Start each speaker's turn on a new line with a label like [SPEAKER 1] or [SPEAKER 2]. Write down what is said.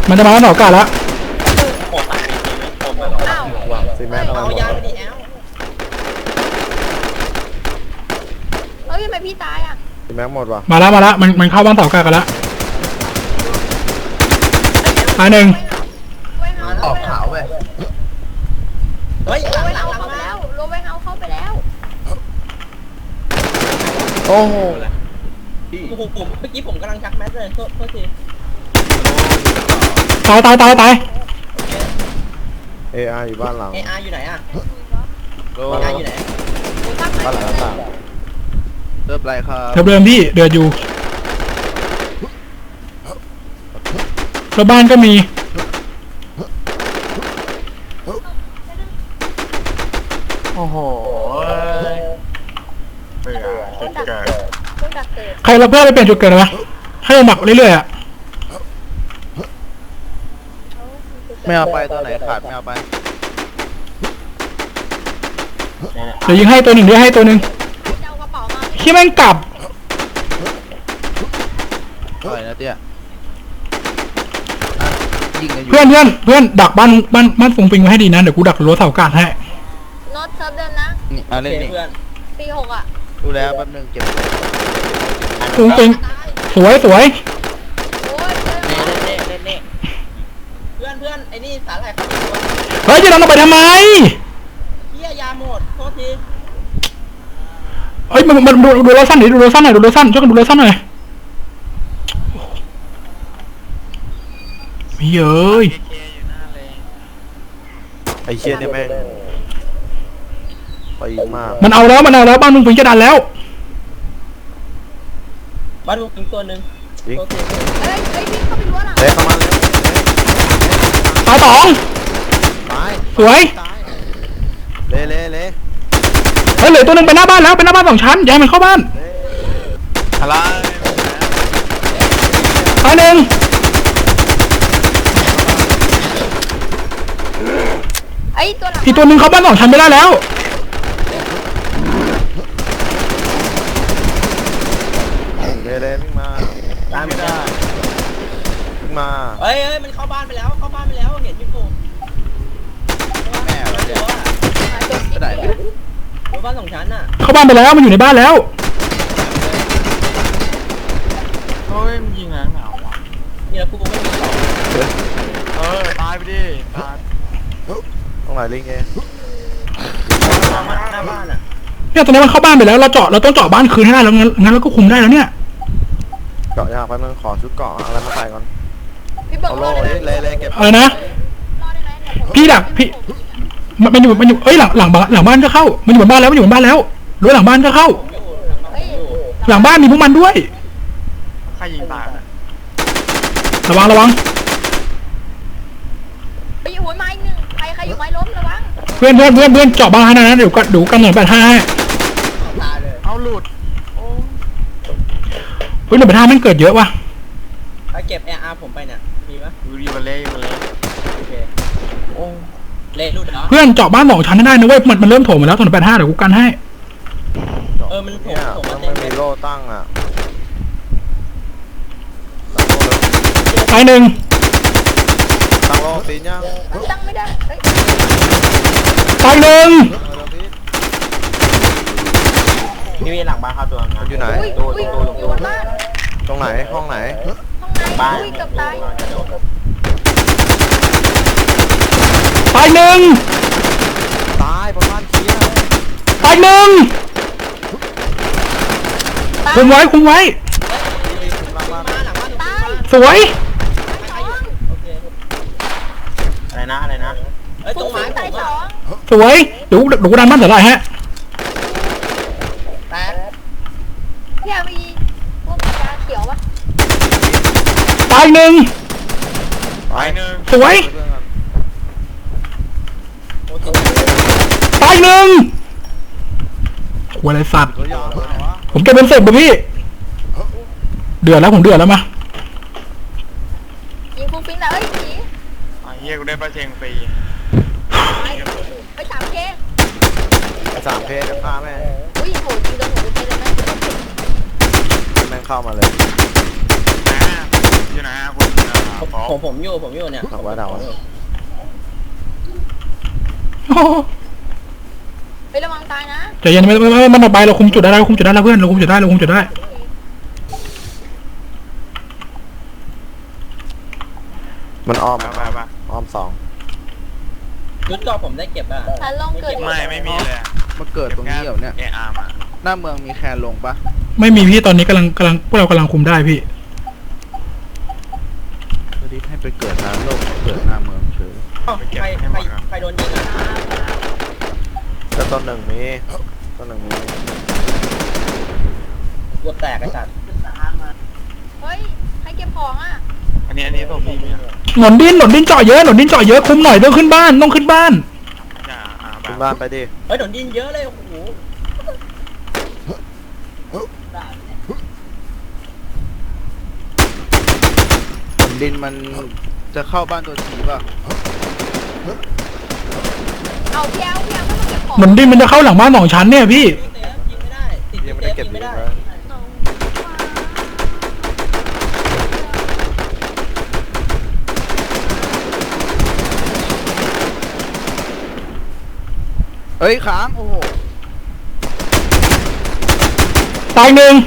[SPEAKER 1] มันจะมาแล้วหนอกาแล้ว
[SPEAKER 2] ผมตายผมไปอ้าว
[SPEAKER 3] ซีแม็กเอา
[SPEAKER 2] ยาไปดิแอล
[SPEAKER 4] เฮ้ยทำไมพี่ตายอ่ะ
[SPEAKER 3] ซีแม็กหมดว่ะ
[SPEAKER 1] มาแล้วมันเข้าบ้านเสากากันแล้วตายหนึ่ง
[SPEAKER 2] ออกขาวไปเฮ้ย
[SPEAKER 4] โรเวเฮาเข้าไปแล้วโรเวเฮาเข้าไปแล้ว
[SPEAKER 3] โอ้โห
[SPEAKER 2] ผมเมื่อกี้ผมกำลังชักแมสเลยโทษที
[SPEAKER 1] ตาย
[SPEAKER 3] เออาร์อยู่บ้านหลัง
[SPEAKER 2] ARอยู่ไหนอ่ะ
[SPEAKER 3] บ้านหลังอยู่ไหนบ้านหลังต่างเริ่มไรครับ
[SPEAKER 1] เดิมพี่เดือดอยู่แล้วบ้านก็มี
[SPEAKER 3] โอ้โห
[SPEAKER 1] ใครเราเพื่อไปเปลี่ยนจุดเกิดวะให้เราหมักเรื่อยๆอ่ะ
[SPEAKER 3] ไม่เอาไปตัวไหนขาดไม่เอาไป
[SPEAKER 1] เดี๋ยวยิงให้ตัวหนึ่งให้ตัวหนึ่งขี้แม่งกลับ
[SPEAKER 3] อะไรนะเตี้ย
[SPEAKER 1] เพื่อนดักบ้านฟงปิงไว้ให้ดีนะเดี๋ยวกูดักรั้วเสากาดให้
[SPEAKER 4] โน้ตเซิร์ฟเดิมนะ
[SPEAKER 3] นี่เอาเล่นนี่
[SPEAKER 4] ปี6อ่ะ
[SPEAKER 3] ดูแลแป๊บนึงเก็บ
[SPEAKER 1] ฟงปิงสวย
[SPEAKER 4] โอ้ย
[SPEAKER 2] เน่เพื่อนไอ้นี่สาหร่ายเขา
[SPEAKER 1] เฮ้ยจะดันเราไปทำไม
[SPEAKER 2] เฮียยาหมดโทษที
[SPEAKER 1] เฮ้ยมันดูเราสั้นหน่อยดูเราสั้นช่วยกันดูเราสั้นหน่อยเย้ย
[SPEAKER 3] ไอเชี่ยเนี่ยแม่งไปมาก
[SPEAKER 1] มันเอาแล้วบ้านมึงปิงจะดันแล้ว
[SPEAKER 2] บ้านมึงปิงตัวหนึ่ง
[SPEAKER 4] เฮ้ยพี่เข้าไปรั้วหลัง
[SPEAKER 3] เข้ามาเลย
[SPEAKER 1] ตายสองสวย
[SPEAKER 3] เละ
[SPEAKER 1] เฮ้ยเหลือตัวหนึ่งไปหน้าบ้านแล้วเป็นหน้าบ้าน2 ชั้นย้ายมันเข้าบ้าน
[SPEAKER 3] อะไร
[SPEAKER 1] ตายหนึ่งอีกตัวหนึ่งเข้าบ้าน2 ชั้นไม่ได้แล้ว
[SPEAKER 3] เละวิ่งมา
[SPEAKER 2] ตามไม่ได้
[SPEAKER 3] วิ่งมา
[SPEAKER 2] เฮ้ยมันเข้าบ้านไปแล้วเห็นอยู่ผม
[SPEAKER 3] แม่เราเนี่ยจะได้
[SPEAKER 2] บ้าน2 ชั้นน่ะ
[SPEAKER 1] เข้าบ้านไปแล้วมันอยู่ในบ้านแล้ว
[SPEAKER 3] เฮ้ยมันยิงอะไรเหงา
[SPEAKER 2] นี่แล้วกูไม่มีของ
[SPEAKER 3] ตายไปดิตายตรงไหนลิงเอง
[SPEAKER 2] หน้าบ้านอ่ะ
[SPEAKER 1] เนี่ยตอนนี้มันเข้าบ้านไปแล้วเราต้องเจาะบ้านคืนให้ได้แล้วงั้นเราก็คุมได้แล้วเนี่ย
[SPEAKER 3] เจาะยากไปมันขอชุดเกาะอะไรมาใส่ก่อน
[SPEAKER 4] พี่เบิร์ด
[SPEAKER 3] เลยเก็บ
[SPEAKER 1] อะไรนะพี่ดักพี่มันอยู่เอ้ยหลังบ้านก็เข้ามันอยู่บนบ้านแล้วรั้วหลังบ้านก็เข้าหลังบ้านมีพวกมันด้วย
[SPEAKER 3] ใครยิงตาย
[SPEAKER 1] ระวัง
[SPEAKER 4] ไปอยู่หัวไม้หนึ่งใครอยู่ไม้ล้มระวัง
[SPEAKER 1] เพื่อนเจาะบ้านให้นะเดี๋ยวดูกันหน่อย85
[SPEAKER 3] เอาหลุด
[SPEAKER 1] เฮ้ย185มันเกิดเยอะว่ะ
[SPEAKER 2] ถ้าเก็บ AR ผมไปเนี่ยมีปะ
[SPEAKER 3] อยู่มาเลย
[SPEAKER 2] โอเคโอ้เละหลุดเหรอ
[SPEAKER 1] เพื่อนเจาะบ้าน2 ชั้นได้นะเว้ยมันเริ่มโถมมาแล้ว185เดี๋ยวกูกันให้
[SPEAKER 2] มันผม
[SPEAKER 3] มาเต็มมีโล่ตั้งอ่ะ
[SPEAKER 1] ตายหนึ่ง
[SPEAKER 3] ตั้งโล่ตีนยัง
[SPEAKER 4] ตั้งไม่ได้
[SPEAKER 1] ตายหนึ่ง
[SPEAKER 2] นี่มีหลังบ้านครับตัว
[SPEAKER 3] มันอยู่ไหน
[SPEAKER 4] อยู่บ้าน
[SPEAKER 3] ตรงไหนห้องไหน
[SPEAKER 4] บ้านเกือบตาย
[SPEAKER 1] ตายหนึ่ง
[SPEAKER 3] ตายประมาณเคี้ย
[SPEAKER 1] ตายหนึ่งคุมไว้สวย
[SPEAKER 2] อะไรนะตรงไม้
[SPEAKER 4] ตาย2
[SPEAKER 1] สวยดูดันบ้านเสร็จแล้วฮะ
[SPEAKER 2] แตก
[SPEAKER 4] พี่อาวีพวกยาเขียวปะ
[SPEAKER 1] ตายหนึ่งสวยตายหนึ่งหัวอะไรสัตว์ผมเก็บเป็นเสร็จป่ะพี่เดือดแล้วมา
[SPEAKER 4] ยิงฟูฟินแล้วผี
[SPEAKER 3] เฮียกูได้ปลาเชงฟรี
[SPEAKER 4] ไป3K
[SPEAKER 3] 3K จะฆ่าแม่
[SPEAKER 4] อุ้ยโหจริงโดนหัวไปเลย
[SPEAKER 3] แม่งเข้ามาเลย
[SPEAKER 5] อยู่ไหนคุณผมอยู่เนี่ย
[SPEAKER 6] หลังบ้านเราอะ
[SPEAKER 1] โอ้โห
[SPEAKER 4] เฮ้ยระวังตายนะ
[SPEAKER 1] ใจเย็นไม่มันออกไปเราคุมจุดได้เราคุมจุดได้แล้วเพื่อนเราคุมจุดได้เราคุมจุดได้
[SPEAKER 6] มันอ้อม
[SPEAKER 7] มา
[SPEAKER 6] อ้อมสอง
[SPEAKER 5] ชุดเกราะผมได้เก็บอ่ะ
[SPEAKER 4] ฉันลองเกิด
[SPEAKER 7] ไม่มีเลย
[SPEAKER 3] มาเกิดตรงนี้เหรอเนี่ย
[SPEAKER 7] เออาร์มา
[SPEAKER 3] หน้าเมืองมีแคนลงปะ
[SPEAKER 1] ไม่มีพี่ตอนนี้กำลังพวกเรากำลังคุมได้พี่
[SPEAKER 3] รีบให้ไปเกิดน้ำโลกเกิดหน้าเมืองเฉย
[SPEAKER 5] ใครโดนยิงอ่ะ
[SPEAKER 6] แล้วต้นหนึ่งมีต้นหนึ่งมี
[SPEAKER 5] กดแตกไอ้สัตว์
[SPEAKER 4] เฮ้ยใครเก็บของอ่ะ
[SPEAKER 7] อันนี้ตัวพี่เนี่ย
[SPEAKER 1] หนนดินเจาะเยอะคุมหน่อยต้องขึ้นบ้าน
[SPEAKER 6] ขึ้นบ้านไปดิ
[SPEAKER 5] เฮ้ยโดนยิงเยอะเลยโอ้โห
[SPEAKER 3] ดินมันจะเข้าบ้านตัวทีป่ะ
[SPEAKER 4] เอาพี่เอาไม่มาเก็บของ
[SPEAKER 1] หนนดินมันจะเข้าหลังบ้าน2 ชั้นเนี่ยพี่
[SPEAKER 5] เซฟยิงไม่ได้ติด
[SPEAKER 6] ยังไม่
[SPEAKER 5] เซ
[SPEAKER 6] ได้
[SPEAKER 5] ฟ
[SPEAKER 6] เก็บ
[SPEAKER 5] ยิง
[SPEAKER 6] ดี
[SPEAKER 5] ไม่ได้
[SPEAKER 6] เลย
[SPEAKER 3] เฮ้ยค้างโอ้โห
[SPEAKER 1] ตายหนึ่ง